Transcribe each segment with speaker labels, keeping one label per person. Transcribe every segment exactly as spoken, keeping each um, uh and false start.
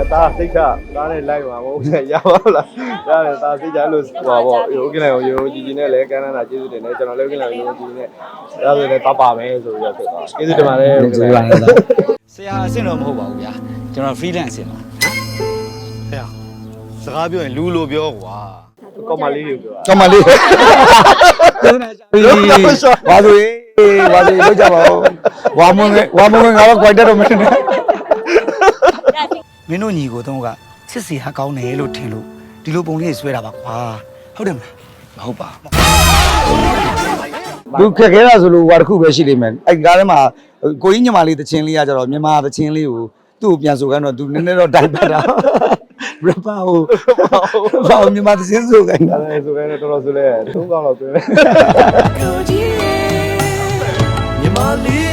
Speaker 1: ဒါစိတ်ချဒါနဲ့လိုက်ပါဘောရပါလားရတယ်ဒါစိတ်ချလို့ဟိုပါဘောโอเคလိုက်ရိုးကြီးကြီးနဲ့လည်းကမ်းမ်းတာကျေးဇူးတင်တယ်ကျွန်တော်လည်းโอเคလိုက်ရိုးကြီးနဲ့ဒါဆိုလည်းတော့ပါမယ်ဆိုပြီးတော့ဖြစ်သွားကျေးဇူးတင်ပါတယ်โอเคလိုက်
Speaker 2: ဆရာအဆင့်တော့မဟုတ်ပါဘူးဗျာကျွန်တော် freelance အဆင့်ပါ
Speaker 1: ဟဲ့စကားပြောရင်လူလိုပြောကွာကောမလေးတွေပြော
Speaker 3: ကောမလေးဘာလို့ဘာလို့လောက်ကြပါဦးဝါမွန်ဝါမွန်ငါတော့ quite တော့မင်းနဲ့မင်းတို့ညီကိုတော့ကစစ်စီဟာကောင်းတယ်လို့ထင်လို့ဒီလိုပုံလေးဆွဲတာပါကွာဟုတ်တယ်မလားမဟုတ်ပါဘူးခက်ခဲတာဆိုလို့ဟွာတစ်ခုပဲရှိလိမ့်မယ်အဲ့ကားထဲမှာကိုကြီးညီမလေးတချင်းလေးကကြတော့မြန်မာတချင်းလေးကိုသူ့ကိုပြန်ဆိုခိုင်းတော့သူနည်းနည်းတော့တိုက်ပတ်တာရပါဦးဘာလို့မြန်မာတချင်းဆိုခိုင်းတာ
Speaker 1: လဲဆိုခိုင်းတော့တော်တော်ဆိုလဲသုံးကောင်းတော့ဆိုလဲမြန်မာလေး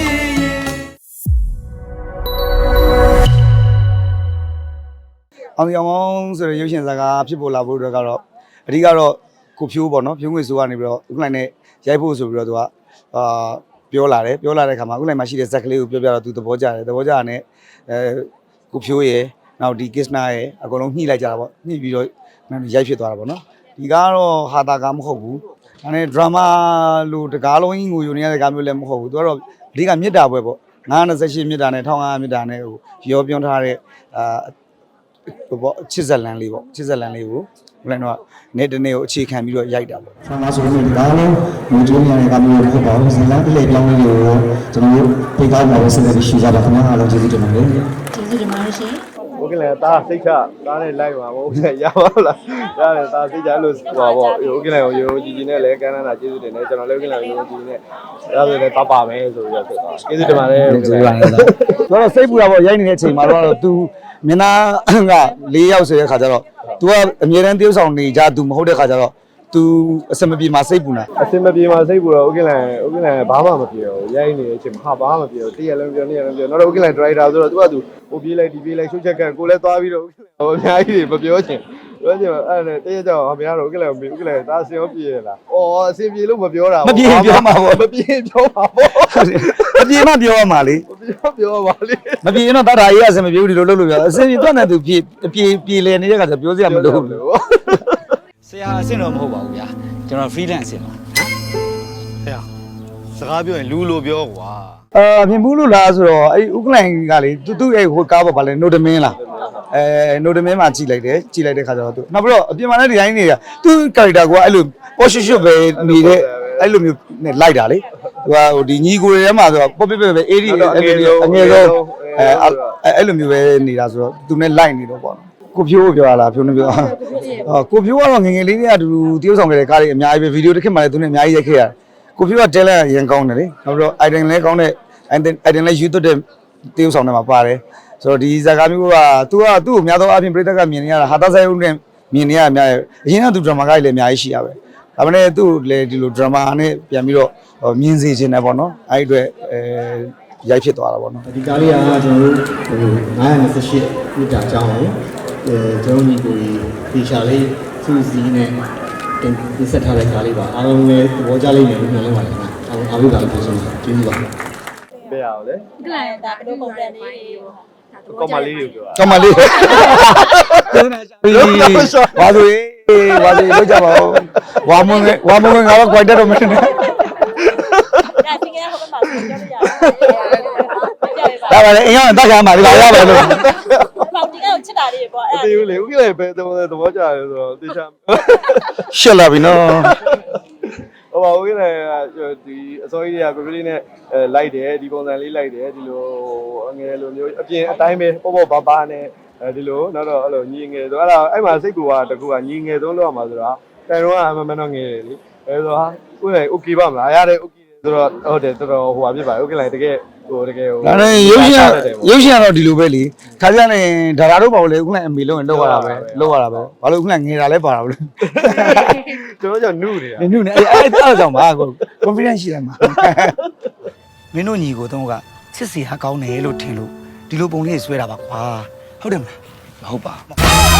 Speaker 3: အောင်ရောင်ဆိုရရုပ်ရှင်ဇာတ်ကားဖြစ်ပေါ်လာဖို့အတွက်ကတော့အဓိကတော့ကိုဖြိုးပေါ့နော်ဖြိုးငွေဆိုကနေပြီးတော့ဥက္ကဋ္ဌနဲ့ရိုက်ဖို့ဆိုပြီးတော့သူကအာပြောလာတယ်ပြောလာတဲ့ခါမှာဥက္ကဋ္ဌမှာရှိတဲ့ဇက်ကလေးကိုပြောပြတော့သူသဘောကျတယ်သဘောကျတာနဲ့အဲကိုဖြိုးရယ်နောက်ဒီကစ္စနာရယ်အကုန်လုံးညှိလိုက်ကြတာပေါ့ညှိပြီးတော့ရိုက်ဖြစ်သွားတာပေါ့နော်ဒီကားကတော့ဟာတာကားမဟုတ်ဘူးဒါနဲ့ဒရာမာလို့တကားလုံးကြီးငိုယိုနေရတဲ့ကားမျိုးလည်းမဟုတ်ဘူးသူကတော့အဓိကမြစ်တာပွဲပေါ့ငါးနှစ်ရှစ်မြစ်တာနဲ့တစ်ထောင်ငါးမြစ်တာနဲ့ဟိုရောပြောထားတဲ့အာဟိုပေါ့ချစ်ဇက်လန်လေးပေါ့ချစ်ဇက်လန်လေးကိုဘယ်လိုတော့နေ့တနေ့ကိုအခြေခံပြီးတော့ရိုက်တာပေါ့
Speaker 4: ဆန္ဒဆိုရင်ဒီကားလုံးငွေကြေးများတဲ့ကားမျိုးမဟုတ်ပါဘူးဇလန်ပြည့်ပြောင်းလေးကိုကျွန်တော်တို့ပြေးကောင်းပါလို့ဆက်လက်ရှိကြပါခင်ဗျာအားလုံးကျေးဇူးတင်ပါတယ်
Speaker 5: ကျေးဇူးတင်ပါတယ်ရှင်
Speaker 1: โอเคလည်းဒါစိတ်ချဒါနဲ့လိုက်ပါဘောရပါလားရတယ်ဒါစိတ်ချလို့ဟိုပါဘောโอเคလိုက်ရိုးကြီးကြီးနဲ့လည်းကမ်းမ်းတာကျေးဇူးတင်တယ်ကျွန်တော်လည်းโอเคလိုက်ရိုးကြီးနဲ့ဒါဆိုလည်းတော့ပါမယ်ဆိုပြီးတော့ဖြစ်သွားကျေးဇူးတင်ပါတယ်
Speaker 3: ကျေးဇူးပါတော့တော့စိတ်ပူတာပေါ့ရိုက်နေတဲ့အချိန်မှာတော့ तू မျက်နှာက၄ယောက်ဆိုတဲ့ခါကျတော့ तू ကအမြဲတမ်းတယောက်ဆောင်နေကြ तू မဟုတ်တဲ့ခါကျတော့ तू အစမပြေမှာစိတ်ပူနေတာ
Speaker 1: အစမပြေမှာစိတ်ပူတော့ okay လား okay လားဘာမှမပြေဘူးရိုက်နေတဲ့အချိန်မှာဘာမှမပြေဘူးတည့်ရလုံးပြောနေရလုံးပြောတော့ okay လား driver ဆိုတော့ तू က तू ဟိုပြေးလိုက်ဒီပြေးလိုက်ရှုပ်ချက်ကကိုလည်းသွားပြီးတော့ okay လားဟိုအများကြီးတွေမပြောချင်ပြောချင်အဲ့ဒါတည့်ရကြောင်အများတော့ okay လား okay လားဒါအစင်ရောပြေရလားအော်အစင်ပြေလို့မပြောတာ
Speaker 3: မပြေပြောမှာပေါ့
Speaker 1: မပြေပြောမှာပေါ့
Speaker 3: မပြေမှပြောရမှာလေ
Speaker 1: မပြေပြောပါလေ
Speaker 3: မပြေရင်တော့တတ်တာရေးအစင်မပြေဘူးဒီလိုလုပ်လို့ပြောအစင်ပြေတော့နဲ့ तू ပြေပြေပြေလေနေတဲ့ခါကျပြောစရာမလိုဘူး
Speaker 2: ဆရာအဆင့်တော့မဟုတ်ပါဘူးဗျာကျွန်တော် freelance အဆင့်ပါ
Speaker 1: ဟဲ့စကားပြောရင်လူလိုပြောကွာ
Speaker 3: အာမြင်ဘူးလို့လားဆိုတော့အဲ့ဥက္ကလိုင်ကလေသူသူ့ရဲ့ဟိုကားပေါ့ဗာလဲနိုဒမင်းလားအဲနိုဒမင်းမှာကြည်လိုက်တယ်ကြည်လိုက်တဲ့ခါကျတော့သူနောက်ပြီးတော့အပြင်မှာလည်းဒီတိုင်းနေတာသူ့ character ကအဲ့လိုပေါ်ရှွတ်ရှွတ်ပဲနေတဲ့အဲ့လိုမျိုးနဲ့လိုက်တာလေသူကဟိုဒီညီကိုတွေထဲမှာဆိုတော့ပေါ့ပြပြပဲအေးဒီအငယ်ဆုံးအဲအဲ့လိုမျိုးပဲနေတာဆိုတော့သူနဲ့လိုက်နေတော့ပေါ့ကိုဖြိုးပြောရလားဖြိုးနေပြောအော်ကိုဖြိုးကတော့ငငယ်လေးတွေကတူတရုပ်ဆောင်ခဲ့တဲ့ကားတွေအများကြီးပဲဗီဒီယိုတစ်ခေတ်မှလည်းသူနဲ့အများကြီးရိုက်ခဲ့ရတယ်ကိုဖြိုးကတဲလက်ရန်ကောင်းတယ်လေနောက်ပြီးတော့ item လည်းကောင်းတဲ့ item လည်းယူသွတ်တဲ့တရုပ်ဆောင်တွေမှာပါတယ်ဆိုတော့ဒီဇာကာမျိုးကသူကသူ့ကိုအများသောအားဖြင့်ပြည်သက်ကမြင်နေရတာဟာတာဆိုင်ဦးနဲ့မြင်နေရအများကြီးအရင်ကသူဒရမာကားကြီးလည်းအများကြီးရှိရပဲဒါပေမဲ့သူ့လည်းဒီလိုဒရမာနဲ့ပြန်ပြီးတော့မြင်စေချင်တယ်ပေါ့နော်အဲ့ဒီအတွက်အဲရိုက်ဖြစ်သွားတာပေါ့နော်
Speaker 4: ဒီကားလေးကကျွန်တော်တို့ဟိုငါးနှစ်ရှစ်မိတာအကြောင်းကိုအဲကျွန်တော်ညီကိုဒီရှာလေးသူ့စီးနဲ့ဒီဆက်ထားတဲ့ကားလေးပါအားလုံးလည်းသဘောကျလိမ့်မယ်လို့မျှော်လင့်ပါတယ်ခင်ဗျအားလုံးအားလုံးကလည်းကျေးဇူးပါကျေးဇူးပါ
Speaker 1: ပြရအောင်လေ
Speaker 5: ကလန်ဒါဘယ်လိုပုံစံလေး
Speaker 1: ကောမလေးတွေပြော
Speaker 3: ကောမလေးဘာလို့ဘာလို့လောက်ကြပါဦးဝါမွန်ဝါမွန်ငါတော့ quite တော့မင်းနဲ့
Speaker 5: ဒါသင်္ကန်းဟိုဘက်မှာပြောလို့ရတယ်
Speaker 3: ဒါပါလေအရင်ကတက်ကြမှာဒီပါရပါလို့
Speaker 5: ပေါင်ဒီကတော့ချစ်တာလေးပေါ့
Speaker 1: အဲ့ဒါသိဘူးလေဥက္ကလည်းပဲသဘောသဘောကျတယ်ဆိုတော့တေချာ
Speaker 3: ရှက်လာပြီနော်
Speaker 1: ဟိုပါဦးကလည်းဒီအစိုးရကကိုကလေးနဲ့လိုက်တယ်ဒီပုံစံလေးလိုက်တယ်ဒီလိုအငယ်လိုမျိုးအပြင်အတိုင်းပဲပေါ့ပေါ့ဘာဘာနဲ့ဒီလိုနောက်တော့အဲ့လိုညီငယ်ဆိုအဲ့ဒါအဲ့မှာစိတ်ကူကတကူကညီငယ်သုံးလို့ရမှာဆိုတော့တိုင်တော့အမှန်မှန်တော့ငယ်တယ်လေအဲဆိုဟာဥက္ကလည်း okay ပါမလားရတယ် okay ဆိုတော့ဟုတ်တယ်တော်တော်ဟိုပါဖြစ်ပါဥက္ကလည်းတကယ်ဟိုတကယ်ဟို
Speaker 3: ဒါနဲ့ရုပ်ရှင်ရုပ်ရှင်ကတော့ဒီလိုပဲလေခါကြနေဒါရာတို့ပါလို့လေဥက္ကလည်းအမေလုံးရင်လောက်ရတာပဲလောက်ရတာပဲဘာလို့ဥက္ကလည်းငယ်တာလဲပါတာဘလို့
Speaker 1: ကျွန်တော်ကြောင့်နုနေတာ
Speaker 3: နုနေအဲ့အဲ့အဲ့ကြောင့်ပါကို confidence ရှိတယ်မှာမင်းတို့ညီကိုတော့ကစစ်စီဟာကောင်းတယ်လို့ထင်လို့ဒီလိုပုံလေးဆွဲတာပါကွာဟုတ်တယ်မလားမဟုတ်ပါဟို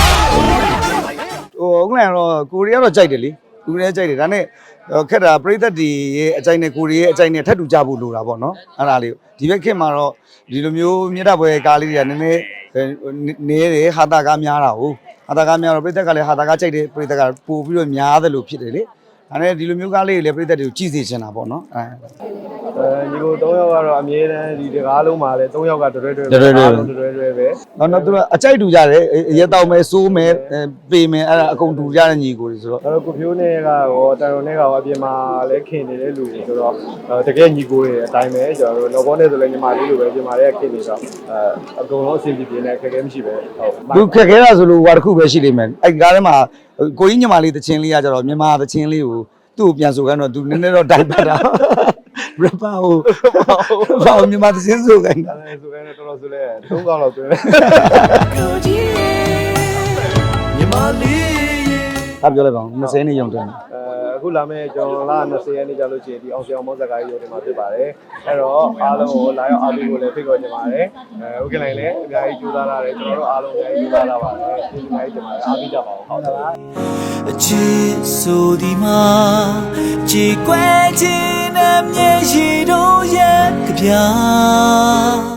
Speaker 3: ဥက္ကလည်းတော့ကိုရီးယားတော့ကြိုက်တယ်လေကိုရီးယားကြိုက်တယ်ဒါနဲ့ခက်တာပရိသတ်တွေရဲ့အကြိုက်နဲ့ကိုရီးယားအကြိုက်နဲ့ထပ်တူကြဖို့လိုတာပေါ့နော်အဲ့ဒါလေးဒီဘက်ခေတ်မှာတော့ဒီလိုမျိုးမြတ်တပွဲကားလေးတွေကနည်းနည်းနေတယ်ဟာတာကားများတာဟုတ်ဟာတာကားများတော့ပြည်သက်ကလည်းဟာတာကားကြိုက်တယ်ပြည်သက်ကပို့ပြီးတော့များတယ်လို့ဖြစ်တယ်လေဒါနဲ့ဒီလိုမျိုးကားလေးတွေလည်းပြည်သက်တွေကိုကြည့်စေချင်တာပေါ့နော်အဲ
Speaker 1: အဲဒီကို၃ယောက်ကတော့အမြဲတမ်းဒီတကားလုံးမှာလည်း၃ယောက်ကတွဲတွဲပဲတွဲတွဲတွဲပဲ
Speaker 3: တော့တော့သူကအကြိုက်တူကြတယ်ရဲတောက်မယ်စိုးမယ်ပေမယ်အဲ့ဒါအကုန်တူကြတဲ့ညီကိုတွေဆိုတော့
Speaker 1: အဲ့တော့ကိုဖြိုးနဲ့ကရောတန်ရုံနဲ့ကရောအပြင်မှာလည်းခင်နေတဲ့လူတွေဆိုတော့တကယ်ညီကိုတွေအတိုင်းပဲကျွန်တော်တို့လောဘောနဲ့ဆိုလည်းညီမလေးလိုပဲပြင်မာလေးခင်နေတော့အဲအကုန်လုံးအဆင်ပြေပြေနဲ့ခက်ခဲမရှိပဲဟုတ်
Speaker 3: သူခက်ခဲတာဆိုလို့ဟိုတစ်ခုပဲရှိလိမ့်မယ်အဲ့ကားထဲမှာကိုကြီးညီမလေးတချင်းလေးကကြတော့မြန်မာတချင်းလေးကိုသူ့ကိုပြန်ဆိုခိုင်းတော့သူနည်းနည်းတော့တိုင်ပတ်တာရပါဟိုဘာမြန်မာတချင်းဆိုခိုင်းတာ
Speaker 1: အဲ့ဒါဆိုရင်တော်တော်ဆိုလဲသုံးកောင်းလောက်တွင်းလဲ
Speaker 3: ဟာပြောလိုက်ပါဦး၂၀နှစ်ရုံတွင်း
Speaker 1: အဲအခုလာမယ့်ကျွန်တော်လာ၂၀ရက်နေ့ကြာလို့ရှိရင်ဒီအောင်စီအောင်မောဇက်ကားကြီးရုံတင်မှာဖြစ်ပါတယ်အဲ့တော့အားလုံးကိုလာရောက်အားပေးဖို့လည်းဖိတ်ခေါ်ချင်ပါတယ်အဲဥက္ကဋ္ဌလည်းအများကြီးကြိုးစားလာတယ်ကျွန်တော်တို့အားလုံးအများကြီးကြိုးစားလာပါတယ်ဒီအများကြီးတင်ပါတယ်အားပေးကြပါဦးဟုတ်ကဲ့ပါ
Speaker 2: အချစ်ဆိုဒီမှာကြည်ကွယ်ခြင်းနဲ့မျက်ရည်တို့ရဲ့ကြပြ